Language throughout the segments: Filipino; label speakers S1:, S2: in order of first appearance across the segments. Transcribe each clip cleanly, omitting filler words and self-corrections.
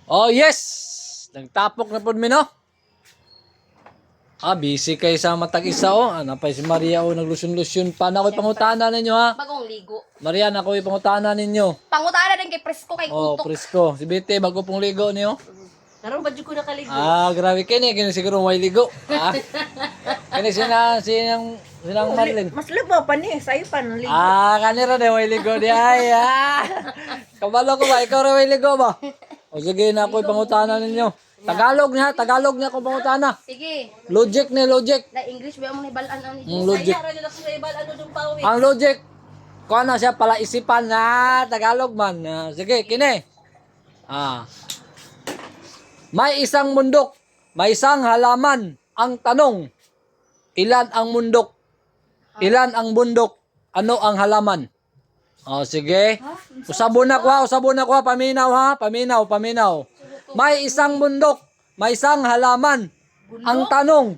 S1: Oh, yes! Nagtapok na po mi, no? Busy kayo sa matag-isa, oh. Napay si Maria, oh, naglusyon-lusyon pa. Ako'y pangutana ninyo, ha?
S2: Bagong ligo.
S1: Maria, ako'y pangutana ninyo.
S2: Pangutana din kay Presko kay
S1: Oh,
S2: Kutok.
S1: presko. Si Bete, bago pong ligo niyo.
S2: Karon ba jud ko nakaligo?
S1: Grabe kini. Kini siguro may ligo. Kini sinang Marlin.
S3: Mas lubo pa ni, sa'yo pa nang ligo.
S1: Kanira na may ligo di ay. Kabalo ko ba? Ikaw rin may ligo ba? O sige na ako'y pangutana ninyo. Tagalog niya akong pangutana.
S2: Sige.
S1: Logic ni logic.
S2: Na English ba mo ni balan ang
S1: Logic. Ang logic. Kung ano siya pala isipan na Tagalog man. Sige, kini. May isang mundok, may isang halaman. Ang tanong, ilan ang mundok? Ilan ang bundok? Ano ang halaman? Sige. Usabon na ko ha. Paminaw ha. Paminaw. May isang bundok, may isang halaman. Ang tanong,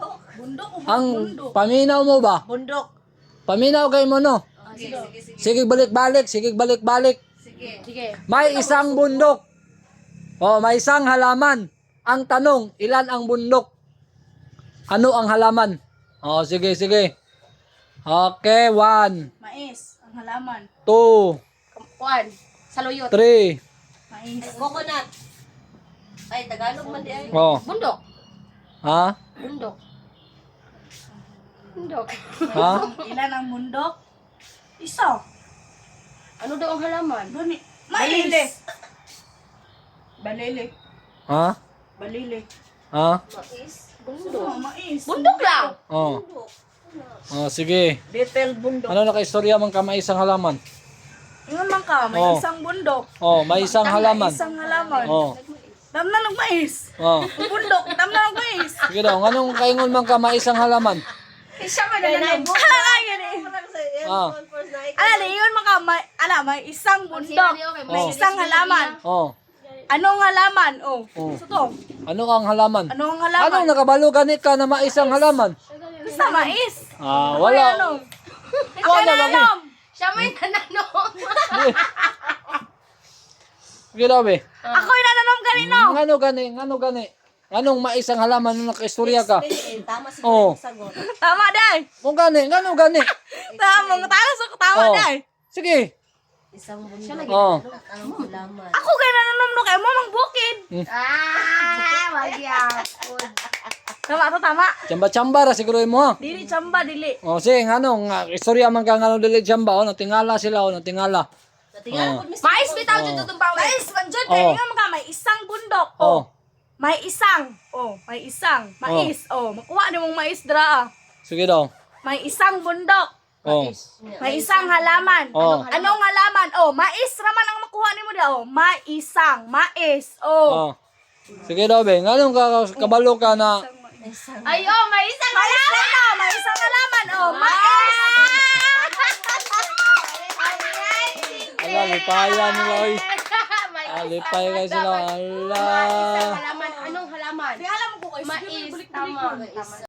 S1: paminaw mo ba?
S3: Bundok.
S1: Paminaw kayo mo, no? Sige, balik-balik.
S2: Sige.
S1: May isang bundok. May isang halaman. Ang tanong, ilan ang bundok? Ano ang halaman? Sige. Okay, 1,
S3: Mais, ang halaman.
S1: 2,
S2: Kuan. Saluyot.
S1: 3.
S3: Mais.
S2: Coconut. Ay, Tagalog man di ay. Bundok.
S1: Ha?
S2: Bundok.
S1: Ha?
S3: Ilan ang bundok? Isa.
S2: Ano daw ang halaman?
S3: Duni. Mais. Balili.
S1: Ha?
S3: Balili.
S1: Ha?
S2: Mais. Bundok.
S3: Mais.
S2: Bundok lang.
S1: Sige.
S3: Detailed bundok.
S1: Ano nakaistorya man ka may isang halaman?
S3: Ingon man ka, may isang bundok.
S1: May isang halaman.
S3: Isang halaman. Dam na ng mais.
S1: Oh.
S3: Bundok, dam na ng mais.
S1: Sige daw, anong kaingon man ka may isang halaman?
S3: Isa man na lang. Ala, yun man ka, may isang bundok. May isang halaman. Anong halaman? So to.
S1: Ano ang halaman?
S3: Anong halaman?
S1: Anong nakabalo ganit ka na may isang halaman?
S3: Basta mais.
S1: Wala.
S3: Ako na alam.
S2: Siya may nananong.
S1: Sige daw, be.
S3: Ako yung nananom ganino.
S1: Ano gani? Anong may isang halaman nung nakaistorya ka?
S2: Tama si sagot.
S3: Tama, day.
S1: Kung gani?
S3: Tama, tama, day.
S1: Sige.
S2: Isang bundok. Ang halaman.
S3: Ako kayo nananom no kayo mo mang bukid.
S2: Magyapon.
S3: Tama.
S1: Chamba-chamba ra siguro mo, ha?
S3: Dili chamba, dili.
S1: Sige, istorya man ka dili chamba, natingala sila, natingala.
S2: Mais bitaw dito itong pawis.
S3: Mais, manjod kayo nga mga may isang bundok. May isang. Mais. Makuha ni mong mais dra.
S1: Sige daw.
S3: May isang bundok. May isang halaman. Anong halaman? Mais raman ang makuha ni mo da. Mais.
S1: Sige daw, be. Anong kabalo ka na?
S2: Ay, may isang halaman.
S3: May isang halaman. Mais.
S1: Lipaya nila, oy. Lipay kayo sila.
S2: Isang halaman. Anong halaman?
S3: Di alam ko kayo.
S2: Mais. Tama.